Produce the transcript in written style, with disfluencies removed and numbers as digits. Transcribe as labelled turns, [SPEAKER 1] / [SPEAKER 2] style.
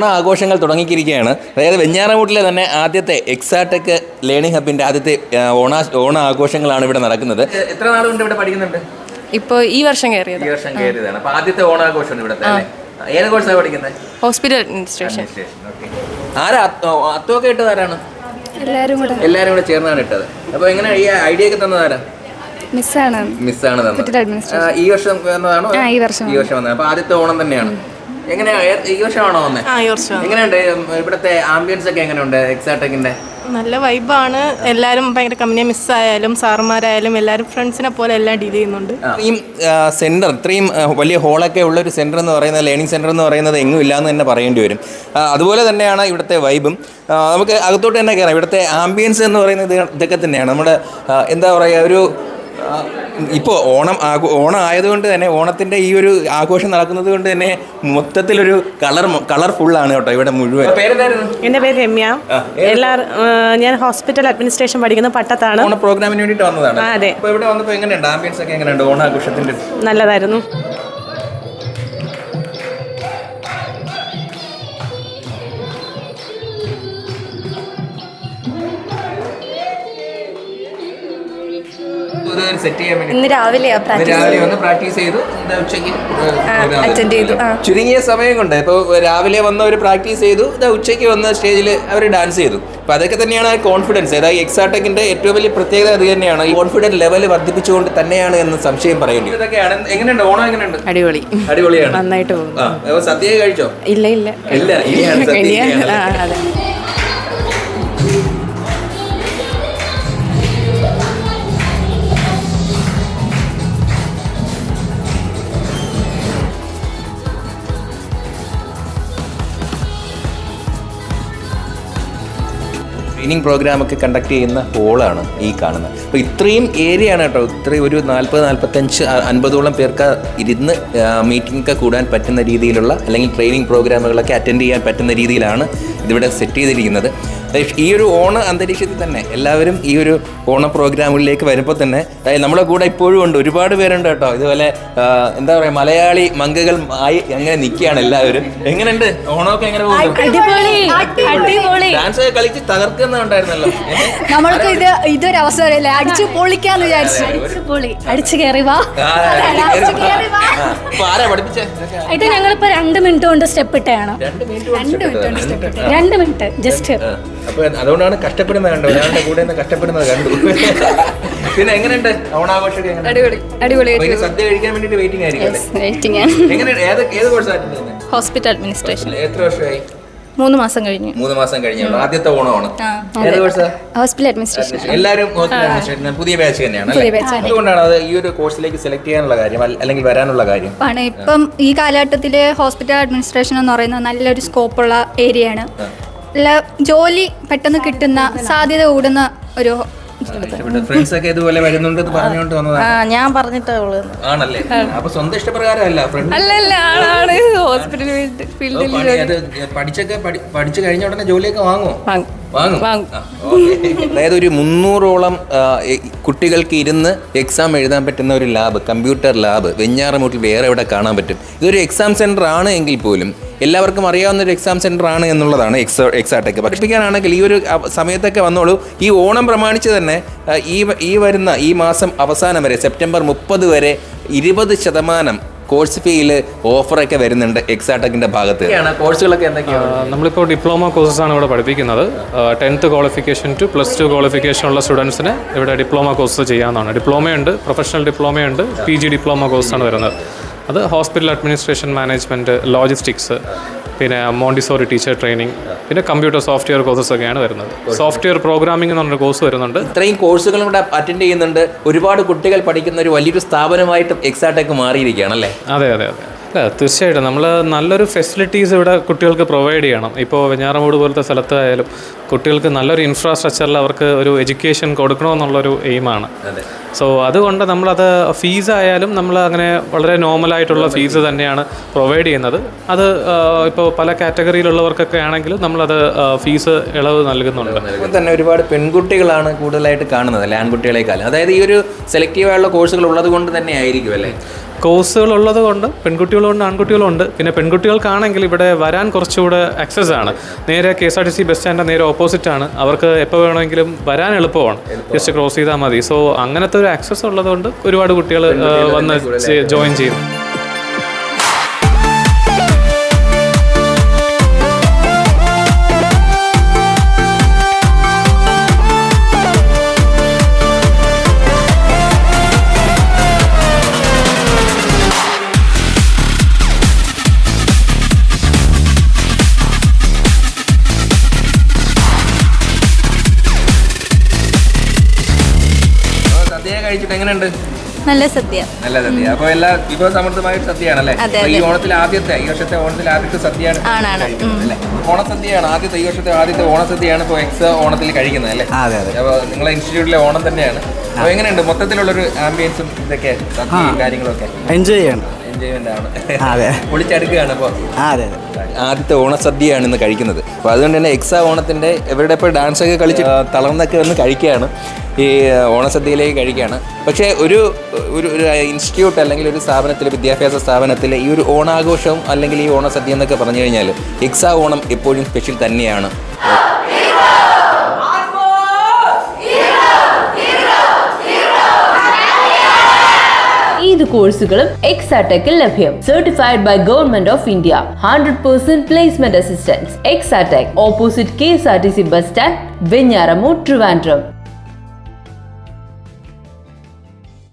[SPEAKER 1] ആഘോഷങ്ങൾ തുടങ്ങിയിരിക്കുകയാണ്. അതായത് വെഞ്ഞാറമൂട്ടിലെ തന്നെ ആദ്യത്തെ എക്സാടെക് ലേണിംഗ് ഹബിൻ്റെ ആദ്യത്തെ ഓണ ആഘോഷങ്ങളാണ് ഇവിടെ നടക്കുന്നത്. എത്ര നാളുകൊണ്ട് ഇവിടെ പഠിക്കുന്നുണ്ട്?
[SPEAKER 2] ഇപ്പോൾ ഈ വർഷം കയറിയതാണ്.
[SPEAKER 1] അപ്പോൾ ആദ്യത്തെ ഓണാഘോഷമാണ് ഇവിടുത്തെ. ഏത് കോഴ്സാണ് പഠിക്കുന്നത്?
[SPEAKER 2] Hospital administration.
[SPEAKER 1] ആരാ അത്തമൊക്കെ ഇട്ടത്? ആരാണ്? എല്ലാവരും കൂടെ ചേർന്നാണ് ഇട്ടത്. അപ്പോൾ എങ്ങനെ ഈ ഐഡിയ ഒക്കെ തന്നതാരാ? മിസ്സാണ് തന്നത്. ഈ വർഷം വന്നതാണോ? ഈ വർഷം വന്നത്. അപ്പോൾ ആദ്യത്തെ ഓണം തന്നെയാണ്. എങ്ങനെയാ ഈ വർഷമാണോ വന്നത്? എങ്ങനെയുണ്ട് ഇവിടുത്തെ ആംബിയൻസ് ഒക്കെ? എങ്ങനെയുണ്ട് എക്സാടെക്കിന്റെ?
[SPEAKER 3] നല്ല വൈബാണ്. എല്ലാവരും ഭയങ്കര കമ്പനി, മിസ്സായാലും സാറുമാരായാലും എല്ലാവരും ഫ്രണ്ട്സിനെ പോലെ എല്ലാം ഡീൽ ചെയ്യുന്നുണ്ട്.
[SPEAKER 1] ഇത്രയും സെന്റർ, ഇത്രയും വലിയ ഹോളൊക്കെ ഉള്ള ഒരു സെന്റർ എന്ന് പറയുന്നത്, ലേണിംഗ് സെന്റർ എന്ന് പറയുന്നത് എങ്ങും ഇല്ലാന്ന് തന്നെ പറയേണ്ടി വരും. അതുപോലെ തന്നെയാണ് ഇവിടുത്തെ വൈബും. നമുക്ക് അകത്തോട്ട് തന്നെ കയറാം. ഇവിടുത്തെ ആംബിയൻസ് എന്ന് പറയുന്നത് ഇതൊക്കെ തന്നെയാണ്. നമ്മുടെ എന്താ പറയുക, ഒരു ഇപ്പോൾ ഓണം ആയതുകൊണ്ട് തന്നെ, ഓണത്തിൻ്റെ ഈ ഒരു ആഘോഷം നടക്കുന്നത് കൊണ്ട് തന്നെ മൊത്തത്തിലൊരു കളർഫുള്ളാണ് കേട്ടോ ഇവിടെ മുഴുവൻ.
[SPEAKER 3] എൻ്റെ പേര് രമ്യ. ഞാൻ ഹോസ്പിറ്റൽ അഡ്മിനിസ്ട്രേഷൻ പഠിക്കുന്ന പട്ടത്താണ്.
[SPEAKER 1] ഓണ പ്രോഗ്രാമിന് വേണ്ടിയിട്ട് വന്നതാണ്.
[SPEAKER 3] അതെ.
[SPEAKER 1] അപ്പോൾ ഇവിടെ വന്നപ്പോൾ എങ്ങനെയുണ്ട് ആംബിയൻസ് ഒക്കെ? എങ്ങനെയുണ്ട് ഓണാഘോഷത്തിൻ്റെ?
[SPEAKER 3] നല്ലതായിരുന്നു.
[SPEAKER 2] ഇന്ന് രാവിലെ
[SPEAKER 1] വന്ന് പ്രാക്ടീസ് ചെയ്തു, ഉച്ചയ്ക്ക്
[SPEAKER 2] അറ്റൻഡ് ചെയ്തു.
[SPEAKER 1] ചുരുങ്ങിയ സമയം കൊണ്ട് ഇപ്പോൾ രാവിലെ വന്ന് അവർ പ്രാക്ടീസ് ചെയ്തു, ഉച്ചയ്ക്ക് വന്ന് സ്റ്റേജിൽ അവർ ഡാൻസ് ചെയ്തു. അപ്പോൾ അതൊക്കെ തന്നെയാണ് കോൺഫിഡൻസ്. അതായത് എക്സാടെക്കിന്റെ ഏറ്റവും വലിയ പ്രത്യേകത അത് തന്നെയാണ്. ഈ കോൺഫിഡൻസ് ലെവൽ വർദ്ധിപ്പിച്ചുകൊണ്ട് തന്നെയാണ് എന്ന് സംശയം പറയേണ്ടി. ഇതൊക്കെയാണ്. എങ്ങനെയുണ്ട് ഓണം? എങ്ങനെയുണ്ട്? അടിപൊളിയാണ്.
[SPEAKER 2] നന്നായിട്ട് പോകും.
[SPEAKER 1] സദ്യ കഴിച്ചോ?
[SPEAKER 2] ഇല്ല.
[SPEAKER 1] ട്രെയിനിങ് പ്രോഗ്രാമൊക്കെ കണ്ടക്ട് ചെയ്യുന്ന ഹോളാണ് ഈ കാണുന്നത്. അപ്പോൾ ഇത്രയും ഏരിയ ആണ് കേട്ടോ. ഇത്രയും ഒരു 40-45-50ഓളം പേർക്ക് ഇരുന്ന് മീറ്റിംഗ് ഒക്കെ കൂടാൻ പറ്റുന്ന രീതിയിലുള്ള, അല്ലെങ്കിൽ ട്രെയിനിങ് പ്രോഗ്രാമുകളൊക്കെ അറ്റൻഡ് ചെയ്യാൻ പറ്റുന്ന രീതിയിലാണ് ഇതിവിടെ സെറ്റ് ചെയ്തിരിക്കുന്നത്. ഈ ഒരു ഓണ അന്തരീക്ഷത്തിൽ തന്നെ എല്ലാവരും ഈ ഒരു ഓണ പ്രോഗ്രാമുകളിലേക്ക് വരുമ്പോൾ തന്നെ, അതായത് നമ്മുടെ കൂടെ ഇപ്പോഴും ഉണ്ട്, ഒരുപാട് പേരുണ്ട് കേട്ടോ. ഇതുപോലെ എന്താ പറയുക, മലയാളി മങ്കകൾ ആയി അങ്ങനെ നിൽക്കുകയാണ് എല്ലാവരും. എങ്ങനെയുണ്ട് ഓണമൊക്കെ? എങ്ങനെ പോകുന്നു? ഡാൻസ് ഒക്കെ കളിച്ച് തകർക്കുന്നുണ്ടായിരുന്നല്ലോ.
[SPEAKER 4] നമ്മൾക്ക് ഇതൊരു അവസരമല്ലേ, അടിച്ചു പൊളിക്കാന്ന് വിചാരിച്ചു. അടിച്ചു കയറി വാ.
[SPEAKER 1] ആരാ പഠിപ്പിച്ചേ?
[SPEAKER 4] ഇത് ഞങ്ങളിപ്പോ 2 മിനിറ്റ് കൊണ്ട് സ്റ്റെപ്പ് ഇട്ടാണ്. 2 മിനിറ്റ് ജസ്റ്റ്.
[SPEAKER 1] അപ്പൊ അതുകൊണ്ടാണ് കഷ്ടപ്പെടുന്നത് കണ്ടു. ഒരാളുടെ കൂടെ കഷ്ടപ്പെടുന്നത് കണ്ടു. പിന്നെ എങ്ങനെയുണ്ട് ഓണാഘോഷം?
[SPEAKER 2] അടിപൊളി.
[SPEAKER 1] സദ്യ കഴിക്കാൻ വേണ്ടിട്ട് വെയിറ്റിംഗ് ആയിരിക്കും. ഏത് കോഴ്സാണ്?
[SPEAKER 2] Hospital administration.
[SPEAKER 1] എത്ര വർഷമായി?
[SPEAKER 2] 3 മാസം കഴിഞ്ഞു.
[SPEAKER 1] 3 മാസം കഴിഞ്ഞു. ആദ്യത്തെ ഓണമാണ്. ഏത് കോഴ്സാ?
[SPEAKER 2] Hospital administration.
[SPEAKER 1] എല്ലാവരും ഹോസ്പിറ്റൽ അഡ്മിനിസ്ട്രേഷൻ പുതിയ ബാച്ച് തന്നെയാണ്. അതുകൊണ്ടാണ് അത് ഈ ഒരു കോഴ്സിലേക്ക് സെലക്ട് ചെയ്യാനുള്ള കാര്യം, അല്ലെങ്കിൽ വരാനുള്ള കാര്യം.
[SPEAKER 4] ഇപ്പം ഈ കാലഘട്ടത്തിൽ ഹോസ്പിറ്റൽ അഡ്മിനിസ്ട്രേഷൻ എന്ന് പറയുന്നത് നല്ലൊരു സ്കോപ്പുള്ള ഏരിയയാണ്. ജോലി പെട്ടെന്ന് കിട്ടുന്ന സാധ്യത കൂടുന്ന ഒരു.
[SPEAKER 1] ഫ്രണ്ട്സ് ഒക്കെ ഇതുപോലെ വരുന്നുണ്ട് പറഞ്ഞുകൊണ്ട് വന്നതാണ്.
[SPEAKER 2] ഞാൻ പറഞ്ഞിട്ടേ ഉള്ളൂ.
[SPEAKER 1] ആണല്ലേ? അപ്പൊ സ്വന്തം ഇഷ്ടപ്രകാരമല്ല പഠിച്ചു കഴിഞ്ഞ ഉടനെ ജോലിയൊക്കെ വാങ്ങും. അതായത് ഒരു 300ഓളം കുട്ടികൾക്ക് ഇരുന്ന് എക്സാം എഴുതാൻ പറ്റുന്ന ഒരു ലാബ്, കമ്പ്യൂട്ടർ ലാബ് വെഞ്ഞാറമൂട്ടിൽ വേറെ എവിടെ കാണാൻ പറ്റും? ഇതൊരു എക്സാം സെന്റർ ആണ് എങ്കിൽ പോലും എല്ലാവർക്കും അറിയാവുന്ന ഒരു എക്സാം സെന്റർ ആണ് എന്നുള്ളതാണ് എക്സാടെക്. പഠിപ്പിക്കാനാണെങ്കിൽ ഈ ഒരു സമയത്തൊക്കെ വന്നോളൂ. ഈ ഓണം പ്രമാണിച്ച് തന്നെ ഈ മാസം അവസാനം വരെ, സെപ്റ്റംബർ 30 വരെ 20% കോഴ്സ് ഫീയില് ഓഫറൊക്കെ വരുന്നുണ്ട് എക്സാടെക്കിന്റെ ഭാഗത്ത്. കോഴ്സുകളൊക്കെ എന്തൊക്കെയാണ്?
[SPEAKER 5] നമ്മളിപ്പോൾ ഡിപ്ലോമ കോഴ്സസ് ആണ് ഇവിടെ പഠിപ്പിക്കുന്നത്. 10th ക്വാളിഫിക്കേഷൻ ടു +2 ക്വാളിഫിക്കേഷൻ ഉള്ള സ്റ്റുഡൻസിന് ഇവിടെ ഡിപ്ലോമ കോഴ്സ് ചെയ്യാവുന്നതാണ്. ഡിപ്ലോമയുണ്ട്, പ്രൊഫഷണൽ ഡിപ്ലോമയുണ്ട്, PG ഡിപ്ലോമ കോഴ്സാണ് വരുന്നത്. അത് ഹോസ്പിറ്റൽ അഡ്മിനിസ്ട്രേഷൻ മാനേജ്മെൻറ്റ്, ലോജിസ്റ്റിക്സ്, പിന്നെ മോണ്ടിസോറി ടീച്ചർ ട്രെയിനിങ്, പിന്നെ കമ്പ്യൂട്ടർ സോഫ്റ്റ്വെയർ കോഴ്സസ് ഒക്കെയാണ് വരുന്നത്. സോഫ്റ്റ്വെയർ പ്രോഗ്രാമിംഗ് എന്ന് പറഞ്ഞൊരു കോഴ്സ് വരുന്നുണ്ട്.
[SPEAKER 1] ഇത്രയും കോഴ്സുകളും കൂടെ അറ്റൻഡ് ചെയ്യുന്നുണ്ട്. ഒരുപാട് കുട്ടികൾ പഠിക്കുന്ന ഒരു വലിയൊരു സ്ഥാപനമായിട്ട് എക്സാടെക് മാറിയിരിക്കുകയാണല്ലേ?
[SPEAKER 5] അതെ. തീർച്ചയായിട്ടും നമ്മൾ നല്ലൊരു ഫെസിലിറ്റീസ് ഇവിടെ കുട്ടികൾക്ക് പ്രൊവൈഡ് ചെയ്യണം. ഇപ്പോൾ വെഞ്ഞാറമൂട് പോലത്തെ സ്ഥലത്തായാലും കുട്ടികൾക്ക് നല്ലൊരു ഇൻഫ്രാസ്ട്രക്ചറിൽ അവർക്ക് ഒരു എഡ്യൂക്കേഷൻ കൊടുക്കണമെന്നുള്ളൊരു എയിമാണ്. സോ അതുകൊണ്ട് നമ്മളത് ഫീസായാലും നമ്മൾ അങ്ങനെ വളരെ നോർമലായിട്ടുള്ള ഫീസ് തന്നെയാണ് പ്രൊവൈഡ് ചെയ്യുന്നത്. അത് ഇപ്പോൾ പല കാറ്റഗറിയിലുള്ളവർക്കൊക്കെ ആണെങ്കിലും നമ്മളത് ഫീസ് ഇളവ് നൽകുന്നുണ്ട്.
[SPEAKER 1] തന്നെ ഒരുപാട് പെൺകുട്ടികളാണ് കൂടുതലായിട്ട് കാണുന്നത് അല്ലേ, ആൺകുട്ടികളെക്കാളും? അതായത് ഈ ഒരു സെലക്റ്റീവായുള്ള കോഴ്സുകൾ ഉള്ളത് കൊണ്ട് തന്നെ ആയിരിക്കും അല്ലേ?
[SPEAKER 5] കോഴ്സുകളുള്ളത് കൊണ്ട് പെൺകുട്ടികളുണ്ട് ആൺകുട്ടികളുണ്ട്. പിന്നെ പെൺകുട്ടികൾക്കാണെങ്കിൽ ഇവിടെ വരാൻ കുറച്ചുകൂടെ ആക്സസ് ആണ്. നേരെ KSRTC ബസ് സ്റ്റാൻഡ് നേരെ ഓപ്പോസിറ്റ് ആണ്. അവർക്ക് എപ്പോൾ വേണമെങ്കിലും വരാൻ എളുപ്പമാണ്, ജസ്റ്റ് ക്രോസ് ചെയ്താൽ മതി. സോ അങ്ങനത്തെ ഒരു ആക്സസ് ഉള്ളതുകൊണ്ട് ഒരുപാട് കുട്ടികൾ വന്ന് ജോയിൻ ചെയ്യും.
[SPEAKER 1] സദ്യ കഴിച്ചിട്ട് എങ്ങനെയുണ്ട്?
[SPEAKER 2] നല്ല സദ്യ.
[SPEAKER 1] നല്ല സദ്യ. അപ്പൊ എല്ലാ വിഭവസമൃദ്ധമായ സദ്യയാണല്ലേ? ഈ ഓണത്തിൽ ആദ്യത്തെ, ഈ വർഷത്തെ ഓണത്തിൽ ആദ്യത്തെ സദ്യയാണ് കഴിക്കുന്നത് അല്ലേ? ഓണസദ്യയാണ് ആദ്യത്തെ, ഈ വർഷത്തെ ആദ്യത്തെ ഓണസദ്യയാണ് ഇപ്പോൾ എക്സ് ഓണത്തിൽ കഴിക്കുന്നത് അല്ലേ?
[SPEAKER 6] അതെ അതെ.
[SPEAKER 1] അപ്പോൾ നിങ്ങളെ ഇൻസ്റ്റിറ്റ്യൂട്ടിലെ ഓണം തന്നെയാണ്. അപ്പോൾ എങ്ങനെയുണ്ട് മൊത്തത്തിലുള്ളൊരു ആംബിയൻസും ഇതൊക്കെ, സദ്യയും കാര്യങ്ങളൊക്കെ?
[SPEAKER 6] എൻജോയ് ചെയ്യണം.
[SPEAKER 1] എൻജോയ്മെന്റ് ആണ്.
[SPEAKER 6] അതെ.
[SPEAKER 1] പൊളിച്ചെടുക്കുകയാണ് അപ്പോൾ.
[SPEAKER 6] അതെ അതെ.
[SPEAKER 1] ആദ്യത്തെ ഓണസദ്യയാണ് ഇന്ന് കഴിക്കുന്നത്. അപ്പോൾ അതുകൊണ്ട് തന്നെ എക്സാ ഓണത്തിൻ്റെ ഇവരുടെ ഇപ്പോൾ ഡാൻസൊക്കെ കളിച്ച് തളർന്നൊക്കെ വന്ന് കഴിക്കുകയാണ്, ഈ ഓണസദ്യയിലേക്ക് കഴിക്കുകയാണ്. പക്ഷേ ഒരു ഇൻസ്റ്റിറ്റ്യൂട്ട് അല്ലെങ്കിൽ ഒരു സ്ഥാപനത്തിൽ, വിദ്യാഭ്യാസ സ്ഥാപനത്തിൽ ഈ ഒരു ഓണാഘോഷം അല്ലെങ്കിൽ ഈ ഓണസദ്യ എന്നൊക്കെ പറഞ്ഞു കഴിഞ്ഞാൽ എക്സാ ഓണം എപ്പോഴും സ്പെഷ്യൽ തന്നെയാണ്.
[SPEAKER 7] ഏത് കോഴ്സുകളും എക്സാടെക്കിൽ ലഭ്യം. Certified by government of India. 100% placement assistance. Exatech, opposite KSRTC bus stand, Venjaramoodu, Trivandrum.